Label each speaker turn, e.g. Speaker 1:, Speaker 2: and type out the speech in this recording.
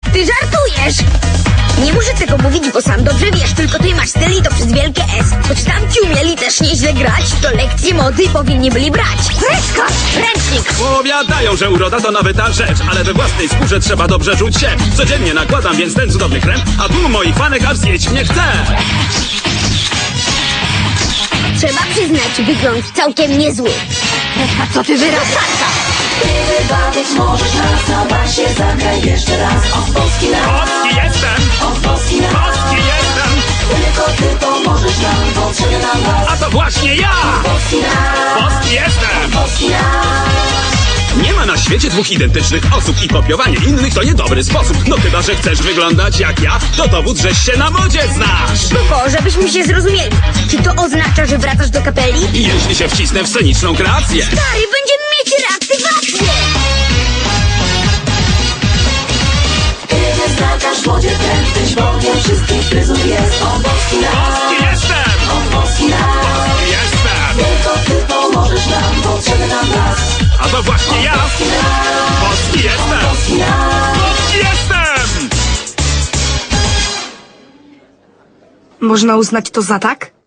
Speaker 1: Ty żartujesz! Nie muszę tego mówić, bo sam dobrze wiesz, tylko ty masz styl i to przez wielkie S. Choć tamci umieli też nieźle grać, to lekcje mody powinni byli brać. Freska! Ręcznik!
Speaker 2: Powiadają, że uroda to nawyta rzecz, ale we własnej skórze trzeba dobrze czuć się. Codziennie nakładam więc ten cudowny krem, a tu moich fanek aż zjeść mnie chce.
Speaker 1: Trzeba przyznać, wygląd całkiem niezły. Freska, co ty wyrażasz?
Speaker 3: Ty wybawić możesz nas na basie. Zagraj jeszcze raz. Od Polski na
Speaker 2: Polski jestem!
Speaker 3: Od Polski na
Speaker 2: Polski jestem!
Speaker 3: Tylko ty pomożesz nam. Potrzebny nam was.
Speaker 2: A to właśnie ja!
Speaker 3: Polski na
Speaker 2: Polski jestem!
Speaker 3: Polski na
Speaker 2: Nie ma na świecie dwóch identycznych osób i kopiowanie innych to niedobry sposób. No chyba, że chcesz wyglądać jak ja, to dowód, żeś się na modzie znasz.
Speaker 1: Tylko, żebyśmy się zrozumieli. Czy to oznacza, że wracasz do kapeli?
Speaker 2: I jeśli się wcisnę w sceniczną kreację.
Speaker 1: Stary, będziemy mieć reaktywację!
Speaker 3: Ty wyznaczasz w modzie trend. Tyś bogiem wszystkich fryzur jest. Od Polski na
Speaker 2: Polski jestem!
Speaker 3: Od Polski na
Speaker 2: Polski jestem!
Speaker 3: Tylko ty pomożesz nam. Potrzebny nam was.
Speaker 2: A to właśnie ja! Polski jestem!
Speaker 3: Polski na
Speaker 2: Polski jestem!
Speaker 4: Można uznać to za tak?